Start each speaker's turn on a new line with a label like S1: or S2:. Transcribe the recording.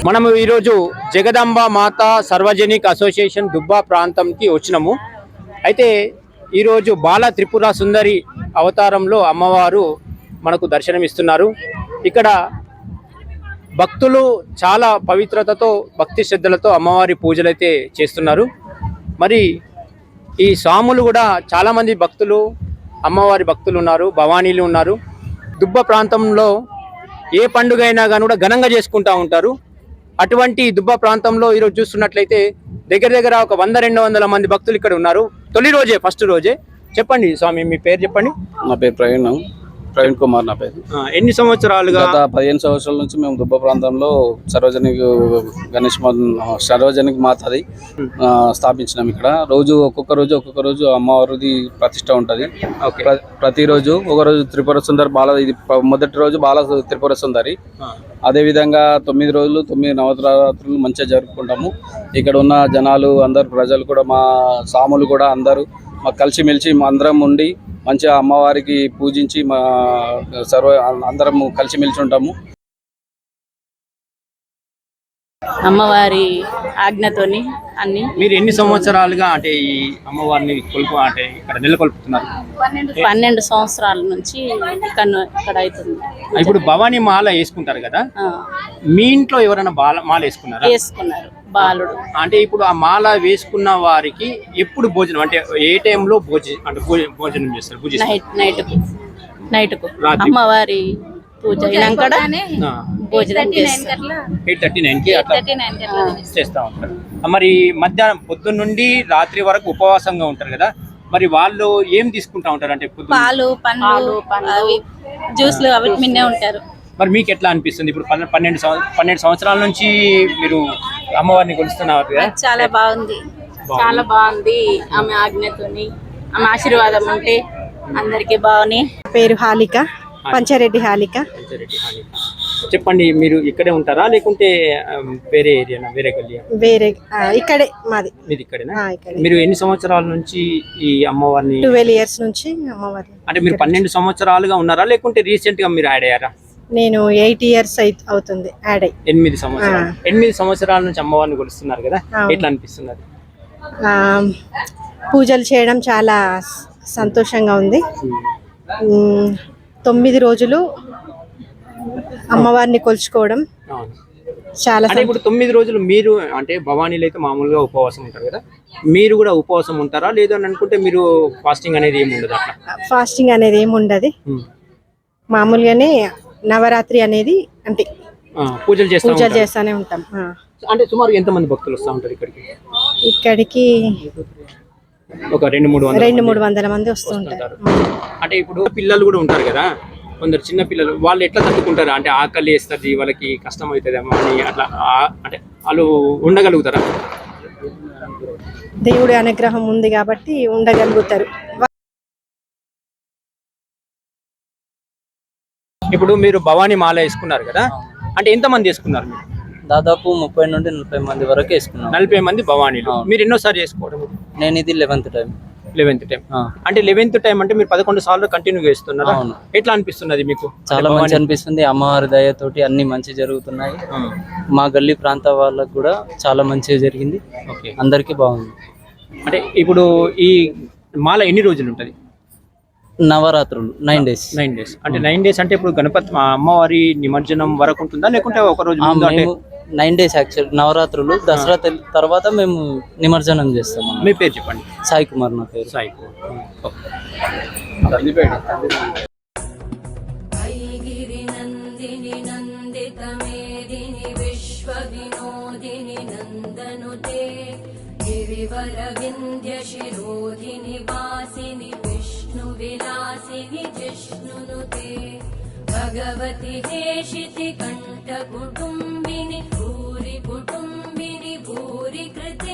S1: మనము ఈరోజు జగదాంబ మాత సార్వజనిక అసోసియేషన్ దుబ్బా ప్రాంతంకి వచ్చినాము. అయితే ఈరోజు బాల త్రిపుర సుందరి అవతారంలో అమ్మవారు మనకు దర్శనమిస్తున్నారు. ఇక్కడ భక్తులు చాలా పవిత్రతతో భక్తి శ్రద్ధలతో అమ్మవారి పూజలైతే చేస్తున్నారు. మరి ఈ స్వాములు కూడా చాలామంది భక్తులు అమ్మవారి భక్తులు ఉన్నారు, భవానీలు ఉన్నారు. దుబ్బ ప్రాంతంలో ఏ పండుగ అయినా కానీ కూడా ఘనంగా చేసుకుంటూ ఉంటారు. అటువంటి దుబ్బ ప్రాంతంలో ఈరోజు చూస్తున్నట్లయితే దగ్గర ఒక 100-200 మంది భక్తులు ఇక్కడ ఉన్నారు. తొలి రోజే, ఫస్ట్ రోజే. చెప్పండి స్వామి, మీ పేరు చెప్పండి.
S2: నా పేరు ప్రవీణ్ కుమార్ నా పేరు.
S1: ఎన్ని సంవత్సరాలుగా?
S2: గత 15 సంవత్సరాల నుంచి మేము దుబ్బ ప్రాంతంలో సార్వజనిక మాతది స్థాపించినాం. ఇక్కడ ఒక్కొక్క రోజు అమ్మవారిది ప్రతిష్ట ఉంటుంది. ప్రతిరోజు ఒకరోజు త్రిపుర సుందరి ఇది మొదటి రోజు బాల త్రిపుర సుందరి. అదేవిధంగా 9 రోజులు 9 నవరాత్రులు మంచిగా జరుపుకుంటాము. ఇక్కడ ఉన్న జనాలు అందరు ప్రజలు కూడా మా సాములు కూడా అందరూ మాకు కలిసిమెలిసి అందరం ఉండి మంచిగా అమ్మవారికి పూజించి అందరం కలిసిమెలిసి ఉంటాము.
S3: అమ్మవారి ఆజ్ఞతోని అన్ని.
S1: మీరు ఎన్ని సంవత్సరాలుగా అంటే ఈ అమ్మవారిని అంటే ఇక్కడ నెలకొల్పుతున్నారు?
S3: 12 సంవత్సరాల నుంచి ఇక్కడ అవుతుంది.
S1: ఇప్పుడు భవానీ మాల వేసుకుంటారు కదా, మీ ఇంట్లో ఎవరైనా మాల వేసుకున్నారా?
S3: వేసుకున్నారు బాలుడు.
S1: అంటే ఇప్పుడు ఆ మాల వేసుకున్న వారికి ఎప్పుడు భోజనం, అంటే ఏ టైంలో భోజనం చేస్తారు?
S3: నైట్కు అమ్మవారి పూజ అయినాక భోజనం
S1: 8:39కి అట్లా చేస్తూ ఉంటారు. మరి మధ్యాహ్నం పొద్దున్న నుండి రాత్రి వరకు ఉపవాసంగా ఉంటారు కదా, మరి వాళ్ళు ఏం తీసుకుంటా ఉంటారు? అంటే
S3: పాలు, పండ్లు, జ్యూస్లు అవి మిన్నే ఉంటారు.
S1: మరి మీకు ఎట్లా అనిపిస్తుంది? ఇప్పుడు 12 సంవత్సరాల నుంచి మీరు అమ్మవారిని కొలుస్తున్నారు కదా.
S3: చాలా బాగుంది. ఆమె ఆజ్ఞతోని, ఆమె ఆశీర్వాదం ఉంటే అందరికి బాగుంది.
S4: పేరు హాలిక, పంచారెడ్డి హాలిక.
S1: చెప్పండి, మీరు ఇక్కడే ఉంటారా లేకుంటే వేరే ఏరియానా, వేరే గల్లియా?
S4: వేరే, ఇక్కడే మాది.
S1: మీది ఇక్కడేనా? మీరు ఎన్ని సంవత్సరాల నుంచి ఈ అమ్మవారిని?
S4: 12 years నుంచి అమ్మవారిని.
S1: అంటే మీరు 12 సంవత్సరాలుగా ఉన్నారా లేకుంటే రీసెంట్ గా మీరు యాడ్ అయ్యారా?
S4: నేను 8 years అవుతుంది యాడ్ అయ్యి.
S1: 8 సంవత్సరాలు. 8 సంవత్సరాల నుంచి అమ్మవారిని కొలుస్తున్నారు కదా, ఎట్లా అనిపిస్తున్నది?
S4: పూజలు చేయడం చాలా సంతోషంగా ఉంది. 9 రోజులు అమ్మవారిని కొలుచుకోవడం చాలా.
S1: ఇప్పుడు 9 రోజులు మీరు అంటే భవానీలు అయితే మామూలుగా ఉపవాసం ఉంటారు కదా, మీరు కూడా ఉపవాసం ఉంటారా? లేదు అని అనుకుంటే మీరు ఫాస్టింగ్ అనేది ఏమి ఉండదు?
S4: ఫాస్టింగ్ అనేది ఏమి ఉండదు, మామూలుగానే నవరాత్రి అనేది అంటే
S1: పూజలు
S4: చేస్తానే ఉంటాం.
S1: అంటే సుమారు ఎంత మంది భక్తులు వస్తూ ఉంటారు
S4: ఇక్కడికి?
S1: ఒక 200-300
S4: మంది వస్తూ ఉంటారు.
S1: అంటే ఇప్పుడు పిల్లలు కూడా ఉంటారు కదా, కొందరు చిన్న పిల్లలు, వాళ్ళు ఎట్లా తట్టుకుంటారు? అంటే ఆకలి వేస్తుంది, వాళ్ళకి కష్టం అవుతుందేమో అని అట్లా, అంటే వాళ్ళు ఉండగలుగుతారా?
S4: దేవుడి అనుగ్రహం ఉంది కాబట్టి ఉండగలుగుతారు.
S1: ఇప్పుడు మీరు భవానీ మాల వేసుకున్నారు కదా, అంటే ఎంత మంది వేసుకున్నారు మీరు?
S5: దాదాపు 30-40 మంది వరకు వేసుకున్నాం.
S1: 40 మంది భవానీలు. మీరు ఎన్నోసారి చేసుకోవడం?
S5: నేను ఇది 11th టైం.
S1: అంటే 11th టైం అంటే మీరు 11 సార్లు కంటిన్యూ చేస్తున్నారు. ఎట్లా అనిపిస్తున్నది మీకు?
S5: చాలా మంచి అనిపిస్తుంది. అమ్మవారి దయతోటి అన్ని మంచి జరుగుతున్నాయి. మా గల్లీ ప్రాంత వాళ్ళకు కూడా చాలా మంచిగా జరిగింది. అందరికి బాగుంది.
S1: అంటే ఇప్పుడు ఈ మాల ఎన్ని రోజులు ఉంటుంది?
S5: నవరాత్రులు 9 days.
S1: అంటే 9 days అంటే ఇప్పుడు గణపతి అమ్మవారి నిమజ్జనం వరకు ఉంటుందా లేకుంటే ఒక రోజు?
S5: 9 days యాక్చువల్ నవరాత్రులు. దసరా తర్వాత మేము నిమజ్జనం చేస్తాము.
S1: మీ పేరు చెప్పండి.
S5: సాయి కుమార్ నా పేరు.
S1: సాయి కుమార్.
S6: भगवति हेशिति कंठ कुटुंबिनि भूरि कुटुंबिनि भूरि कृते